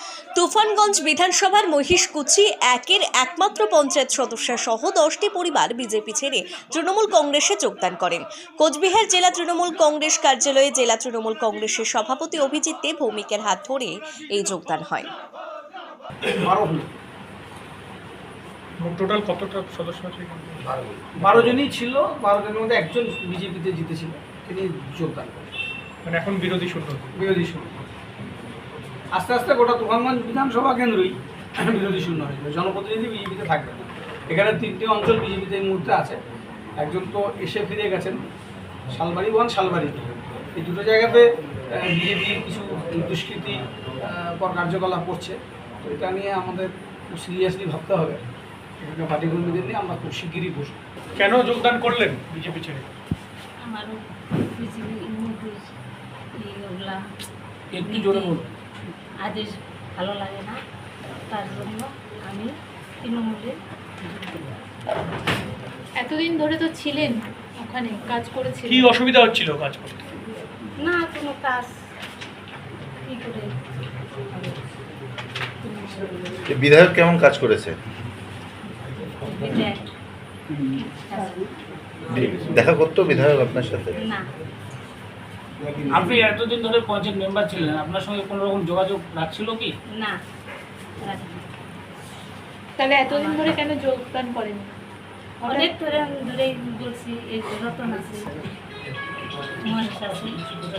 তুফানগঞ্জ বিধানসভার মহিষকুচি একের একমাত্র পঞ্চায়েত সদস্য সহ 10টি পরিবার বিজেপি ছেড়ে তৃণমূল কংগ্রেসে যোগদান করেন। কোচবিহার জেলা তৃণমূল কংগ্রেস কার্যালয়ে জেলা তৃণমূল কংগ্রেসের সভাপতি অভিজিৎ দে ভৌমিকের হাত ধরে এই যোগদান হয়। টোটাল কতটা সদস্য আছে? 12 জনই ছিল। 12 জনের মধ্যে একজন বিজেপিতে জিতেছিল, তিনি যোগদান করেন। মানে এখন বিরোধী শূন্য। আস্তে আস্তে গোটা তুফানগঞ্জ বিধানসভা কেন্দ্রই বিরোধী শূন্য হয়ে যাবে। জনপ্রতিনিধি বিজেপিতে থাকবে না। এখানে 3টি অঞ্চল বিজেপিতে এই মুহূর্তে আছে। একজন তো এসে ফিরে গেছেন, শালবাড়ি 1, শালবাড়ি 2। এই দুটো জায়গাতে বিজেপি কিছু দুষ্কৃতি পর কার্যকলাপ করছে। তো এটা নিয়ে আমাদের খুব সিরিয়াসলি ভাবতে হবে। এখানে পার্টি কর্মীদের নিয়ে আমরা খুব শিগগিরই বসবো। কেন যোগদান করলেন বিজেপি ছেড়ে? আমারও বিজেপি ওগুলা একটু জোরে বলুন। আদেশ ভালো লাগে না, তার জন্য আমি তৃণমূলে। এতদিন ধরে তো ছিলেন ওখানে, কাজ করেছিলেন, কি অসুবিধা হচ্ছিল কাজ করতে? না কোনো কাজ কি করে বিধায়ক কেমন কাজ করেছে? বিধায়ক দেখা করতো বিধায়ক আপনার সাথে? না, আপনি এতদিন ধরে পঞ্চায়েত মেম্বার ছিলেন, আপনার সঙ্গে কোনো রকম যোগাযোগ রাখছিল কি? না। তাহলে এতদিন ধরে কেন যোগদান করেন? অনেক ধরে আমি দূরেই বলছি, এই রতন আছে, মহেশ আছে।